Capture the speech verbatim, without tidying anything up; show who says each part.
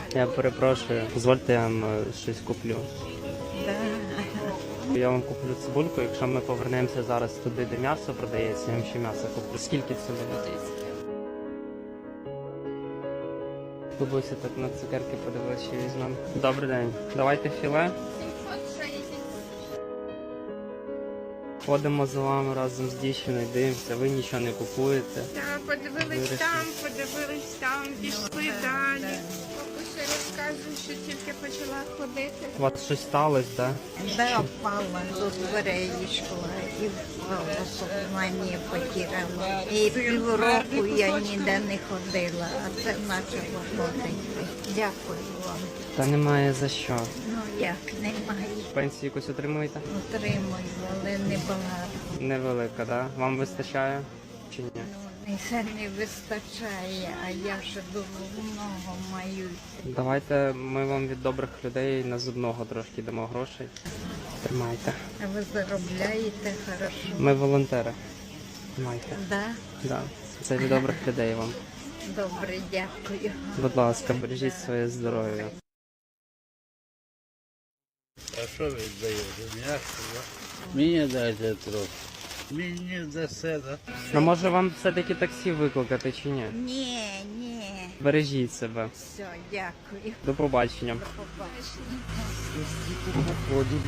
Speaker 1: Я перепрошую, дозвольте я вам е, щось куплю.
Speaker 2: Да.
Speaker 1: Я вам куплю цибульку, якщо ми повернемося зараз туди, де м'ясо продається, я вам ще м'ясо куплю. Скільки це буде? Бабуся так на цукерки подивилася, що візьмемо. Добрий день. Давайте філе. Ходимо за вами разом з дівчиною, дивимося, ви нічого не купуєте.
Speaker 3: Так, подивились
Speaker 1: Вирішили.
Speaker 3: там, подивились там, пішли далі. Бабуся розказує, що тільки почала ходити.
Speaker 1: У вас щось сталося, так?
Speaker 2: Да, впала до дверей йшла і впала, сознання потеряла. І півроку я ніде не ходила, а це почало ходити. Дякую вам.
Speaker 1: Та немає за що.
Speaker 2: Ну як, немає.
Speaker 1: Пенсію якусь отримуєте?
Speaker 2: Отримую, але не багато.
Speaker 1: Невелика, так? Да? Вам вистачає чи ні?
Speaker 2: Ну, це не вистачає, а я ще дуже много маю.
Speaker 1: Давайте ми вам від добрих людей на зубного трошки дамо грошей. Тримайте.
Speaker 2: А ви заробляєте хорошо?
Speaker 1: Ми волонтери. Тримайте.
Speaker 2: Да?
Speaker 1: Да. Це від добрих людей вам.
Speaker 2: Добре, дякую.
Speaker 1: Будь ласка, бережіть своє здоров'я.
Speaker 4: А що ви даєте? М'ясо, да? Мені дайте трохи. Мені дасе, да?
Speaker 1: Ну може вам все-таки таксі викликати чи ні?
Speaker 2: Ні, ні.
Speaker 1: Бережіть себе.
Speaker 2: Все, дякую.
Speaker 1: До побачення.
Speaker 2: До побачення.